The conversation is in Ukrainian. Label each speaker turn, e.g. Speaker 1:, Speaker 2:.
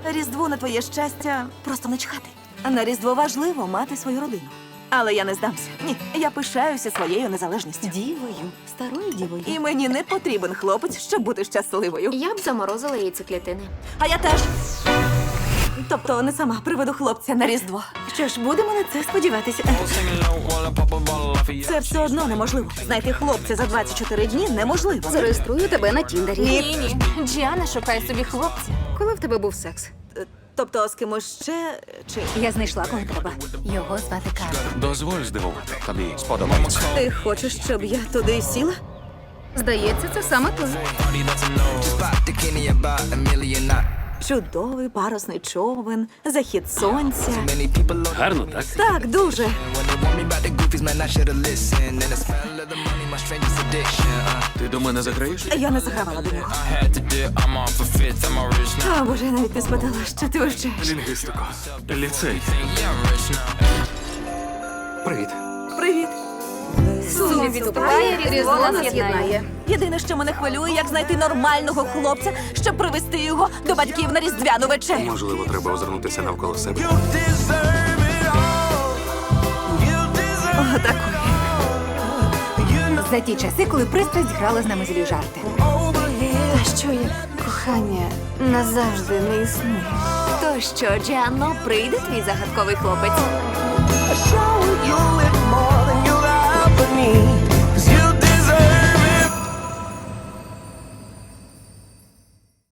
Speaker 1: Різдво на твоє щастя просто не чхати. На Різдво важливо мати свою родину. Але я не здамся. Ні, я пишаюся своєю незалежністю.
Speaker 2: Дівою, старою дівою.
Speaker 1: І мені не потрібен хлопець, щоб бути щасливою.
Speaker 3: Я б заморозила яйцеклітини.
Speaker 1: А я теж. Тобто не сама приведу хлопця на Різдво.
Speaker 2: Що ж, будемо на це сподіватися.
Speaker 1: Це все одно неможливо. Знайти хлопця за 24 дні неможливо.
Speaker 2: Зареєструю тебе на Тіндері.
Speaker 3: Ні. Джіана шукає собі хлопця.
Speaker 2: Коли в тебе був секс?
Speaker 1: Тобто з кимось ще чи
Speaker 2: Я знайшла, кого треба.
Speaker 3: Його звати Карл.
Speaker 4: Дозволь здивувати. Тобі сподобається.
Speaker 1: ти хочеш, щоб я туди сіла?
Speaker 2: Здається, це саме то.
Speaker 1: Чудовий парусний човен, захід сонця.
Speaker 4: Гарно, так?
Speaker 1: Так, дуже.
Speaker 4: Ти до мене заграєш?
Speaker 1: Я не загравала до нього. О, Боже, я навіть не спитала, що ти вивчаєш.
Speaker 4: Лінгвістику. Ліцей. Привіт.
Speaker 1: Привіт.
Speaker 2: Сум відступає, Різдво нас єднає.
Speaker 1: Єдине, що мене хвилює, як знайти нормального хлопця, щоб привезти його до батьків на різдвяну вечерю.
Speaker 4: Можливо, треба озирнутися навколо себе.
Speaker 1: О, такої.
Speaker 2: За ті часи, коли пристрасть грала з нами злі жарти.
Speaker 3: Та що як кохання назавжди не існує? То що, Джіанно, прийде твій загадковий хлопець?
Speaker 5: show you it more than you'll ever need.